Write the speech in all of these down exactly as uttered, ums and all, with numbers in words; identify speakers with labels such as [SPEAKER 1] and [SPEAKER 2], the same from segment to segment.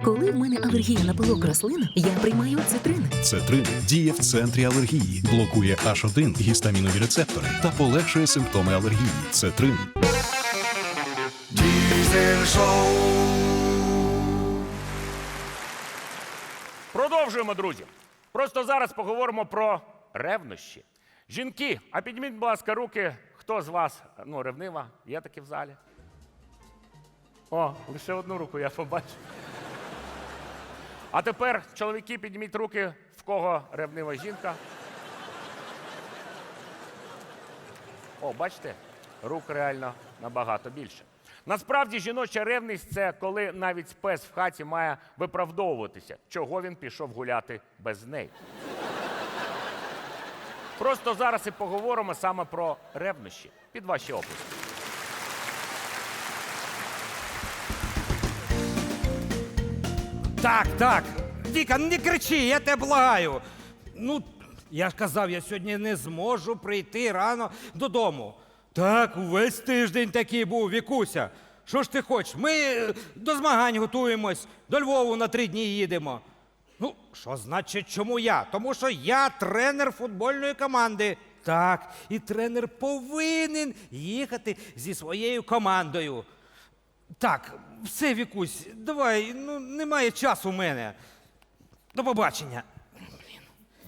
[SPEAKER 1] Коли в мене алергія на пилок рослин, я приймаю цитрин.
[SPEAKER 2] Цетрин діє в центрі алергії, блокує аш один гістамінові рецептори та полегшує симптоми алергії. Цетрин.
[SPEAKER 3] Diesel Show.
[SPEAKER 4] Продовжуємо, друзі. Просто зараз поговоримо про ревнощі. Жінки, а підніміть, будь ласка, руки, хто з вас, ну, ревнива, є такі в залі? О, лише одну руку я побачив. А тепер, чоловіки, підніміть руки, в кого ревнива жінка. О, бачите, рук реально набагато більше. Насправді, жіноча ревність – це коли навіть пес в хаті має виправдовуватися, чого він пішов гуляти без неї. Просто зараз і поговоримо саме про ревнощі. Під ваші оплески.
[SPEAKER 5] Так, так. Віка, не кричи, я тебе благаю. Ну, я ж казав, я сьогодні не зможу прийти рано додому. Так, увесь тиждень такий був, Вікуся. Що ж ти хочеш? Ми е, до змагань готуємось, до Львову на три дні їдемо. Ну, що значить, чому я? Тому що я тренер футбольної команди. Так, і тренер повинен їхати зі своєю командою. Так, все, Вікусь, давай, ну, немає часу в мене. До побачення. Блін.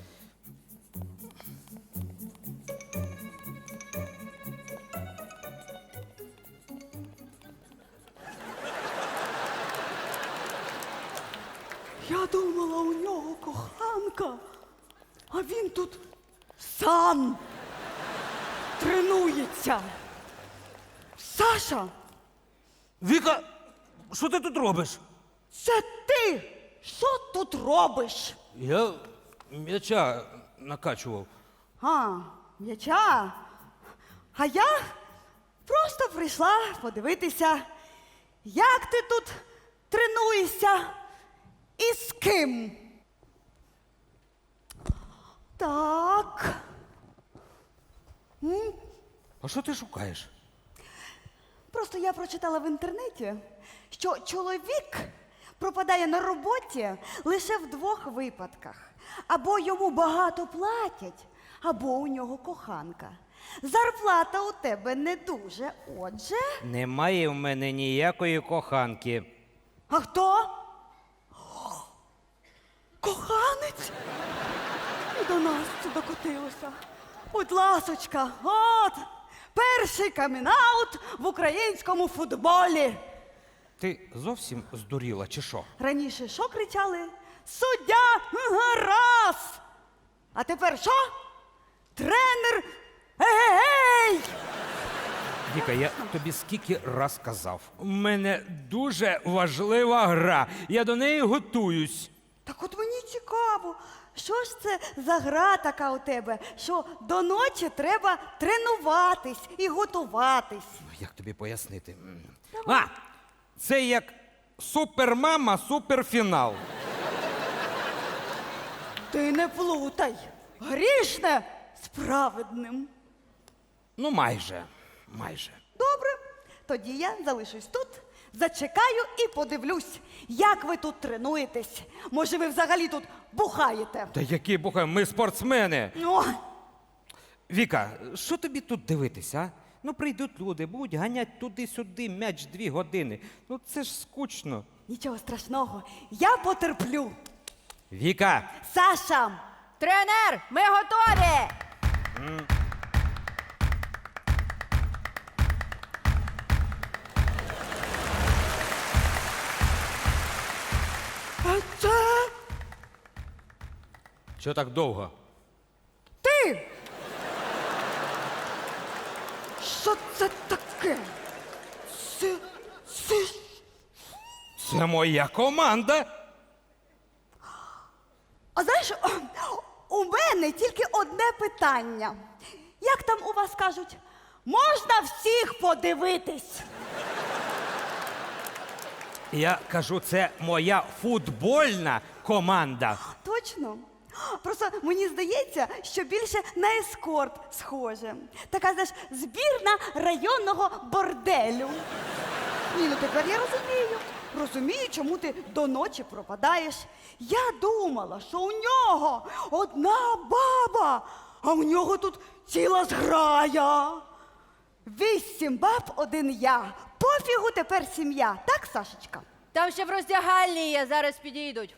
[SPEAKER 6] Я думала, у нього коханка, а він тут сам тренується. Саша,
[SPEAKER 5] Віка, що ти тут робиш?
[SPEAKER 6] це ти що тут робиш?
[SPEAKER 5] Я м'яча накачував.
[SPEAKER 6] А, м'яча. А я просто прийшла подивитися, як ти тут тренуєшся і з ким. Так. М?
[SPEAKER 5] А що ти шукаєш?
[SPEAKER 6] Просто я прочитала в інтернеті, що чоловік пропадає на роботі лише в двох випадках. Або йому багато платять, або у нього коханка. Зарплата у тебе не дуже, отже.
[SPEAKER 5] Немає в мене ніякої коханки.
[SPEAKER 6] А хто? Коханець? І до нас це докотилося. Будь ласочка, от, перший камінаут в українському футболі.
[SPEAKER 5] Ти зовсім здуріла, чи що?
[SPEAKER 6] Раніше що кричали? Суддя гаразд! А тепер що? Тренер ей-ей-ей!
[SPEAKER 5] Віка, я тобі скільки раз казав. У мене дуже важлива гра. Я до неї готуюсь.
[SPEAKER 6] Так от мені цікаво, що ж це за гра така у тебе, що до ночі треба тренуватись і готуватись.
[SPEAKER 5] Як тобі пояснити? М. А! Це як супермама, суперфінал.
[SPEAKER 6] Ти не плутай. Грішне з праведним.
[SPEAKER 5] Ну, майже. Майже.
[SPEAKER 6] Добре, тоді я залишусь тут, зачекаю і подивлюсь, як ви тут тренуєтесь. Може, ви взагалі тут бухаєте?
[SPEAKER 5] Та які бухай, ми спортсмени.
[SPEAKER 6] Ну,
[SPEAKER 5] Віка, що тобі тут дивитися, а? Ну, прийдуть люди, будуть ганять туди-сюди м'яч дві години. Ну, це ж скучно.
[SPEAKER 6] нічого страшного, я потерплю.
[SPEAKER 5] Віка!
[SPEAKER 6] Саша!
[SPEAKER 7] Тренер, ми готові!
[SPEAKER 6] А це
[SPEAKER 5] Що так довго?
[SPEAKER 6] ти! Що це таке? Це, це...
[SPEAKER 5] Це моя команда.
[SPEAKER 6] А знаєш, у мене тільки одне питання. Як там у вас кажуть? Можна всіх подивитись?
[SPEAKER 5] Я кажу, це моя футбольна команда.
[SPEAKER 6] Точно? Просто мені здається, що більше на ескорт схоже. Така, знаєш, збірна районного борделю. Ні, ну тепер я розумію. розумію, чому ти до ночі пропадаєш. Я думала, що у нього одна баба, а у нього тут ціла зграя. Вісім баб, один я. Пофігу тепер сім'я. Так, Сашечка?
[SPEAKER 7] Там ще в роздягальні є, зараз підійдуть.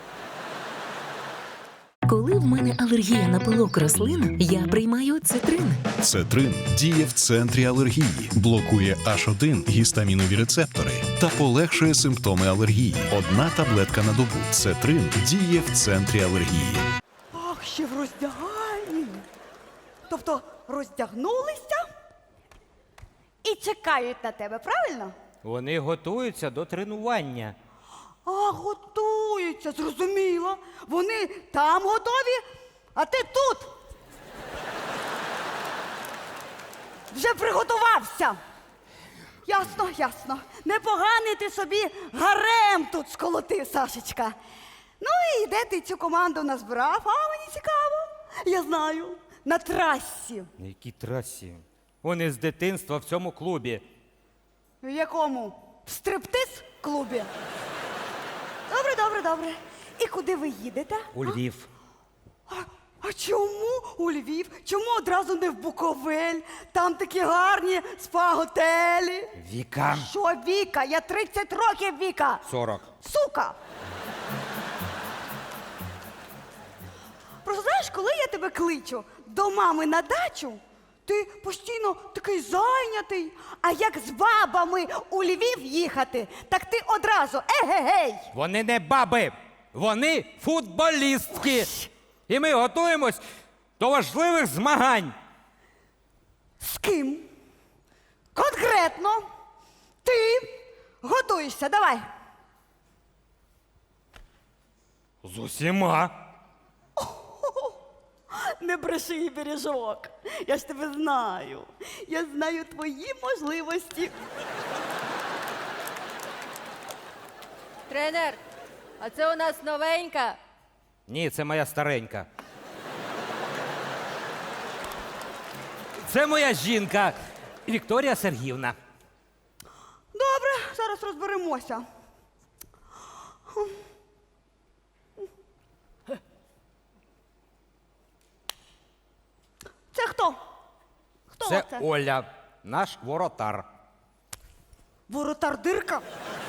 [SPEAKER 1] Коли в мене алергія на пилок рослин, я приймаю цитрин.
[SPEAKER 2] Цетрин діє в центрі алергії, блокує аш один гістамінові рецептори та полегшує симптоми алергії. Одна таблетка на добу. Цетрин діє в центрі алергії.
[SPEAKER 6] Ах, ще в роздягальні. Тобто роздягнулися і чекають на тебе, правильно?
[SPEAKER 5] Вони готуються до тренування.
[SPEAKER 6] А, готуються, зрозуміло. Вони там готові, а ти тут. Вже приготувався. Ясно, ясно. Непоганий ти собі гарем тут сколотив, Сашечка. Ну і де ти цю команду назбирав? А, мені цікаво. Я знаю. На трасі.
[SPEAKER 5] На якій трасі? Вони з дитинства в цьому клубі.
[SPEAKER 6] В якому? В стриптиз-клубі? Добре, добре, добре. І куди ви їдете?
[SPEAKER 5] У Львів.
[SPEAKER 6] А, а чому у Львів? Чому одразу не в Буковель? Там такі гарні спа-готелі.
[SPEAKER 5] Віка.
[SPEAKER 6] Що Віка? Я тридцять років Віка.
[SPEAKER 5] сорок.
[SPEAKER 6] Сука! Просто знаєш, коли я тебе кличу до мами на дачу, ти постійно такий зайнятий. А як з бабами у Львів їхати, так ти одразу егегей!
[SPEAKER 5] Вони не баби, вони футболістки. І ми готуємось до важливих змагань.
[SPEAKER 6] З ким? Конкретно. Ти готуєшся, давай.
[SPEAKER 5] З усіма.
[SPEAKER 6] Не бреши, бережок. Я ж тебе знаю. Я знаю твої можливості.
[SPEAKER 7] Тренер, а це у нас новенька.
[SPEAKER 5] Ні, це моя старенька. Це моя жінка Вікторія Сергіївна.
[SPEAKER 6] Добре, зараз розберемося. Це хто? Хто
[SPEAKER 5] Це
[SPEAKER 6] це?
[SPEAKER 5] Оля, наш воротар.
[SPEAKER 6] Воротар дирка?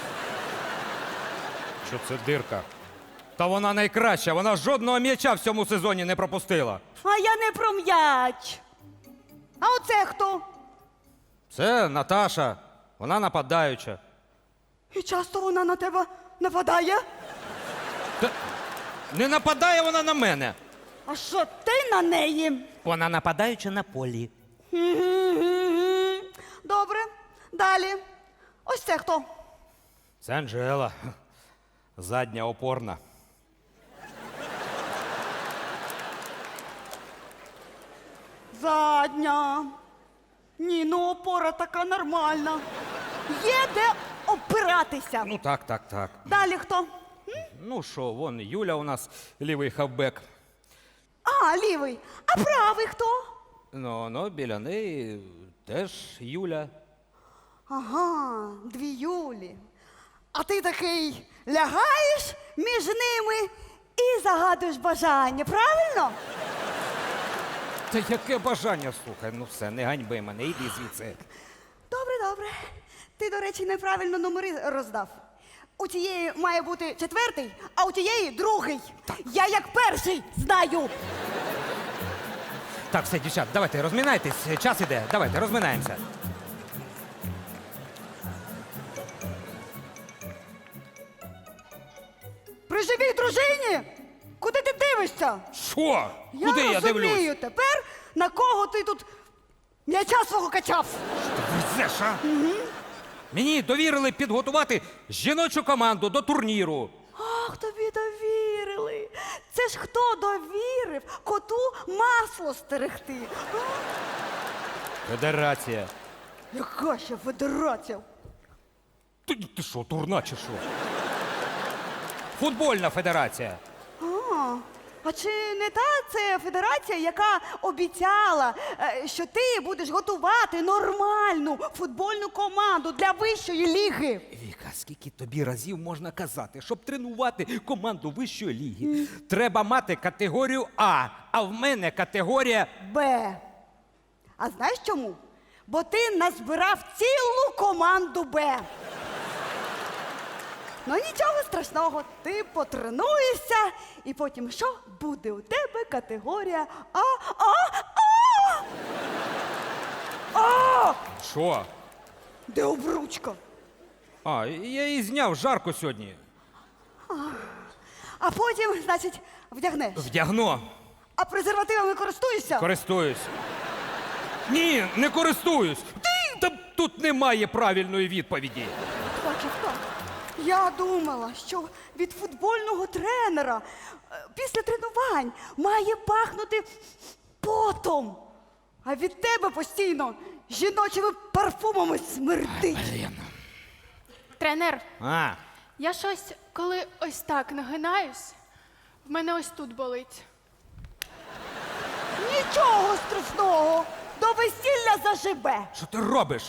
[SPEAKER 5] Що це дирка? Та вона найкраща, вона жодного м'яча в цьому сезоні не пропустила.
[SPEAKER 6] А я не про м'яч. А оце хто?
[SPEAKER 5] Це Наташа, вона нападаюча.
[SPEAKER 6] І часто вона на тебе нападає?
[SPEAKER 5] Та не нападає вона на мене.
[SPEAKER 6] А що ти на неї?
[SPEAKER 5] Вона нападаюча на полі.
[SPEAKER 6] Мгм. Добре, далі. Ось це хто?
[SPEAKER 5] Це Анжела. Задня опорна.
[SPEAKER 6] Задня. Ні, ну опора така нормальна. Є де опиратися.
[SPEAKER 5] Ну так, так, так.
[SPEAKER 6] Далі хто?
[SPEAKER 5] Ну що, вон Юля у нас лівий хавбек.
[SPEAKER 6] А, лівий. А правий хто?
[SPEAKER 5] Ну, ну, біля неї теж Юля.
[SPEAKER 6] Ага, дві Юлі. А ти такий лягаєш між ними і загадуєш бажання, правильно?
[SPEAKER 5] Та яке бажання, слухай, ну все, не ганьби мене, йди звідси.
[SPEAKER 6] Добре, добре. Ти, до речі, неправильно номери роздав. У тієї має бути четвертий, а у тієї другий. Я як перший знаю.
[SPEAKER 5] Так, все, дівчат, давайте, розмінайтесь, час іде, давайте, розминаємося.
[SPEAKER 6] При живій дружині? Куди ти дивишся?
[SPEAKER 5] Що? Куди я
[SPEAKER 6] розумію
[SPEAKER 5] дивлюсь?
[SPEAKER 6] тепер, на кого ти тут м'яча свого качав.
[SPEAKER 5] Везеш, а? Мені довірили підготувати жіночу команду до турніру.
[SPEAKER 6] Ах, тобі довірили. Це ж хто довірив коту масло стерегти? А?
[SPEAKER 5] Федерація.
[SPEAKER 6] Яка ще федерація?
[SPEAKER 5] Ти, ти що, турна чи що? Футбольна федерація.
[SPEAKER 6] А, а чи не та це федерація, яка обіцяла, е, що ти будеш готувати нормальну футбольну команду для вищої ліги?
[SPEAKER 5] Віка, скільки тобі разів можна казати, щоб тренувати команду вищої ліги, треба мати категорію А, а в мене категорія
[SPEAKER 6] Б. А знаєш чому? Бо ти назбирав цілу команду Б. Ну нічого страшного, ти потренуєшся, і потім що? Буде у тебе категорія А, А, А! А!
[SPEAKER 5] що?
[SPEAKER 6] Де обручка?
[SPEAKER 5] А, я її зняв, жарко сьогодні.
[SPEAKER 6] А потім, значить, вдягнеш.
[SPEAKER 5] Вдягну,
[SPEAKER 6] А презервативами користуєшся?
[SPEAKER 5] користуюсь. Ні, не користуюсь. Ти? Та тут немає правильної відповіді.
[SPEAKER 6] Бачив так. Я думала, що від футбольного тренера е, після тренувань має пахнути потом. А від тебе постійно жіночими парфумами смердить.
[SPEAKER 3] Тренер,
[SPEAKER 5] А,
[SPEAKER 3] я щось, коли ось так нагинаюсь, в мене ось тут болить.
[SPEAKER 6] Нічого страшного. До весілля заживе.
[SPEAKER 5] що ти робиш?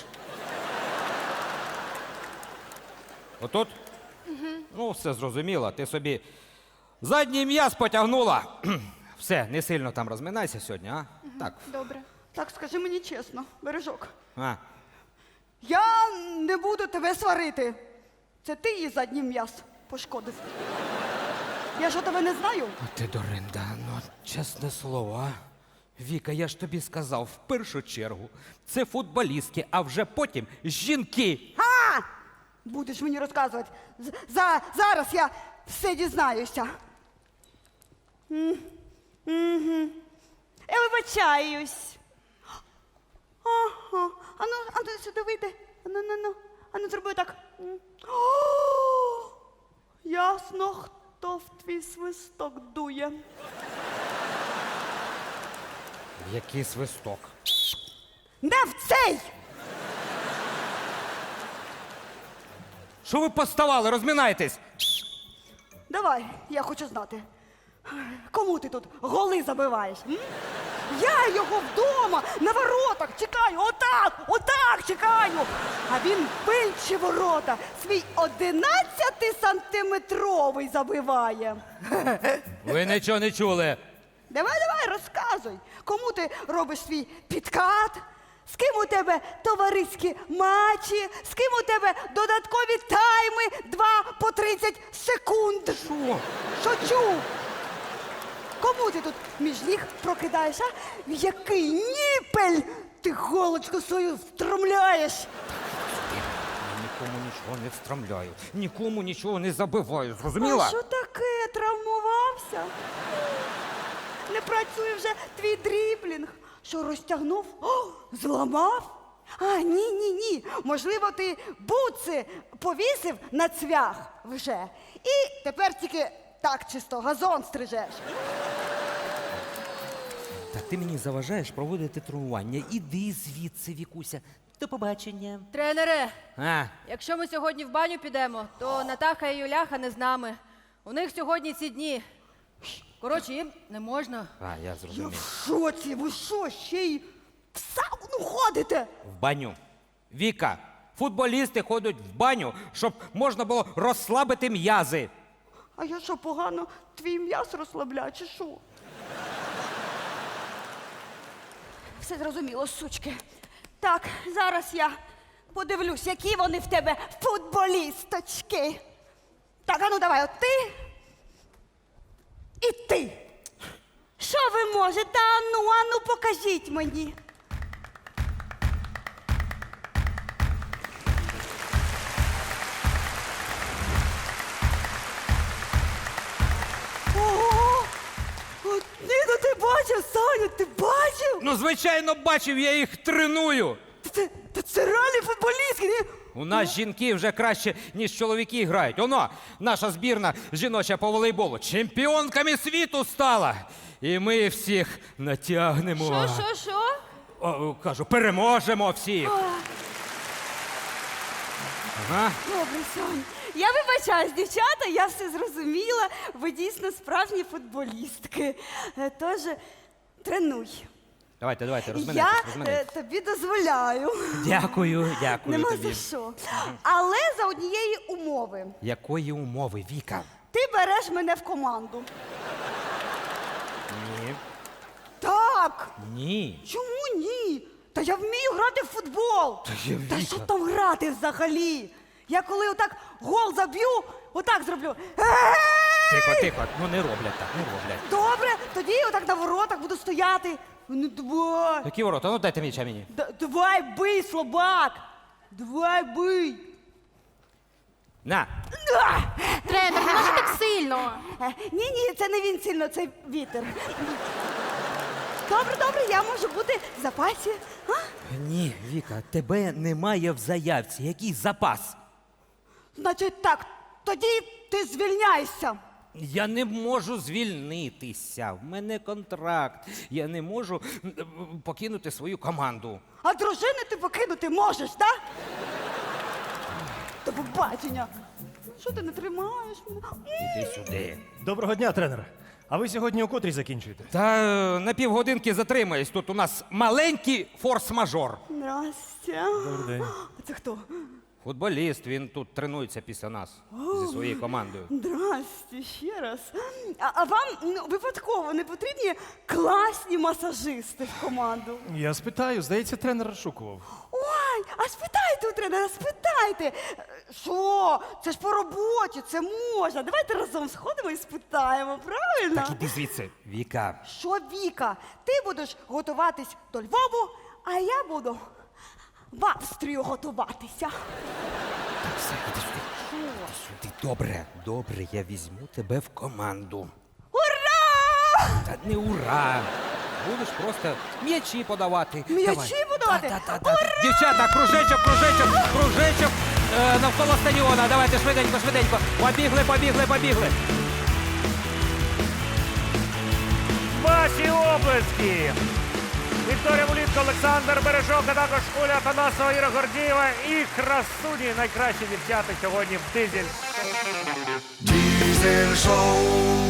[SPEAKER 5] Отут? Ну, все зрозуміло. Ти собі задній м'яз потягнула. Все, не сильно там розминайся сьогодні, а? Так.
[SPEAKER 3] Добре.
[SPEAKER 6] Так скажи мені чесно, бережок.
[SPEAKER 5] А.
[SPEAKER 6] Я не буду тебе сварити. Це ти її задній м'яз пошкодив. Я що тебе не знаю?
[SPEAKER 5] Ти, Доринда, ну, чесне слово, а? Віка, я ж тобі сказав, в першу чергу, це футболістки, а вже потім жінки.
[SPEAKER 6] А! Будеш мені розказувати. З- За, зараз я все дізнаюся. М, мгм. Я вибачаюсь. Ага. Ану, ану, сюди вийди. Ану, ну, ну. Ану, зроби так. М. О, ясно, хто в твій свисток дує.
[SPEAKER 5] Який свисток.
[SPEAKER 6] Не в цей!
[SPEAKER 5] Що ви поставали, розминайтесь?
[SPEAKER 6] Давай, я хочу знати. Кому ти тут голи забиваєш? М? Я його вдома на воротах чекаю, отак, отак чекаю. А він більші ворота свій одинадцятисантиметровий забиває.
[SPEAKER 5] Ви нічого не чули.
[SPEAKER 6] Давай, давай, розказуй, кому ти робиш свій підкат, з ким у тебе товариські матчі, з ким у тебе додаткові тайми два по тридцять секунд.
[SPEAKER 5] Що?
[SPEAKER 6] Шучу. Кому ти тут між ніг прокидаєш, а? В який ніпель ти голочку свою встромляєш?
[SPEAKER 5] Нікому нічого не встромляю, нікому нічого не забиваю, зрозуміла?
[SPEAKER 6] А що таке? Травмувався? Не працює вже твій дріблінг. Що, розтягнув? О, зламав? А, ні, ні, ні. Можливо, ти буци повісив на цвях вже. І тепер тільки так чисто газон стрижеш.
[SPEAKER 5] Та ти мені заважаєш проводити тренування. Іди звідси, Вікуся. До побачення.
[SPEAKER 7] Тренере,
[SPEAKER 5] А,
[SPEAKER 7] якщо ми сьогодні в баню підемо, то Натаха і Юляха не з нами. У них сьогодні ці дні. Коротше, їм не можна.
[SPEAKER 5] а я
[SPEAKER 6] Я
[SPEAKER 5] зрозумів.
[SPEAKER 6] в шоці, ви що, ще й в сауну ходите?
[SPEAKER 5] В баню. Віка, футболісти ходять в баню, щоб можна було розслабити м'язи.
[SPEAKER 6] А я що, погано твій м'яз розслабляю, чи що? Все зрозуміло, сучки. Так, зараз я подивлюсь, які вони в тебе футболісточки. Так, а ну давай, от ти і ти. Що ви можете? Ану, ану, покажіть мені. Ого! От, ні, ну ти бачив, Саня, ти бачив?
[SPEAKER 5] Ну, звичайно, бачив, я їх треную.
[SPEAKER 6] Та Це, та це реальні футболістки, ні?
[SPEAKER 5] У нас жінки вже краще, ніж чоловіки грають. Оно, наша збірна жіноча по волейболу чемпіонками світу стала. І ми всіх натягнемо.
[SPEAKER 7] Що, що, що?
[SPEAKER 5] О, кажу, переможемо всіх. Ага.
[SPEAKER 6] Добре, Сонь. Я вибачаюсь, дівчата, я все зрозуміла. Ви дійсно справжні футболістки. Е, Тож тренуй.
[SPEAKER 5] Давайте, давайте,
[SPEAKER 6] Я
[SPEAKER 5] розминайтесь,
[SPEAKER 6] е,
[SPEAKER 5] розминайтесь.
[SPEAKER 6] тобі дозволяю.
[SPEAKER 5] Дякую, дякую
[SPEAKER 6] Нема
[SPEAKER 5] тобі.
[SPEAKER 6] за що. Але за однієї умови.
[SPEAKER 5] Якої умови, Віка?
[SPEAKER 6] Ти береш мене в команду.
[SPEAKER 5] Ні.
[SPEAKER 6] Так.
[SPEAKER 5] Ні.
[SPEAKER 6] Чому ні? Та я вмію грати в футбол.
[SPEAKER 5] Та я,
[SPEAKER 6] Та
[SPEAKER 5] Віка.
[SPEAKER 6] що там грати взагалі? Я коли отак гол заб'ю, отак зроблю.
[SPEAKER 5] Тихо, тихо, ну не роблять так, не роблять.
[SPEAKER 6] Добре, тоді я отак на воротах буду стояти. Ну давай.
[SPEAKER 5] Які ворота? Ну дайте м'яча мені.
[SPEAKER 6] Да- давай бий, слабак. Давай бий.
[SPEAKER 5] На.
[SPEAKER 3] Тренер, не може так сильно.
[SPEAKER 6] Ні, ні, це не він сильно, це вітер. Добре, добре, я можу бути в запасі. А?
[SPEAKER 5] Ні, Віка, тебе немає в заявці. Який запас?
[SPEAKER 6] Значить так, тоді ти звільняйся.
[SPEAKER 5] Я не можу звільнитися. В мене контракт. Я не можу м, м, покинути свою команду.
[SPEAKER 6] А дружини ти покинути можеш, так? До побачення. Що ти не тримаєш мене?
[SPEAKER 5] Іди сюди.
[SPEAKER 8] Доброго дня, тренер. А ви сьогодні у котрій закінчуєте?
[SPEAKER 5] Та е, на півгодинки затримаюсь. Тут у нас маленький форс-мажор.
[SPEAKER 6] Здрастя.
[SPEAKER 8] Добрий день.
[SPEAKER 6] А це хто?
[SPEAKER 5] Футболіст, він тут тренується після нас зі своєю командою.
[SPEAKER 6] Здрасте, ще раз. А, а вам ну, випадково не потрібні класні масажисти в команду?
[SPEAKER 8] Я спитаю, здається, тренер розшукував.
[SPEAKER 6] Ой, а спитайте у тренера, спитайте. Е, Що? Це ж по роботі, це можна. Давайте разом сходимо і спитаємо, правильно?
[SPEAKER 5] Так іди звідси. Віка,
[SPEAKER 6] Що, Віка, ти будеш готуватись до Львову, а я буду в Австрію готуватися.
[SPEAKER 5] все, іди сюди. Іди сюди. Добре, добре, я візьму тебе в команду.
[SPEAKER 6] Ура!
[SPEAKER 5] Та не ура! Будеш просто м'ячі подавати.
[SPEAKER 6] М'ячі
[SPEAKER 5] Давай.
[SPEAKER 6] подавати?
[SPEAKER 5] Та-та-та-та. Дівчата, кружечок, кружечок, кружечок е, навколо стадіона. Давайте швиденько, швиденько. Побігли, побігли, побігли.
[SPEAKER 4] Ваші облески! Вікторія Вулітко, Олександр Бережок, а також Оля Танасова, Іра Гордієва і красуні найкращі дівчата сьогодні в Дизель.
[SPEAKER 9] Diesel Show.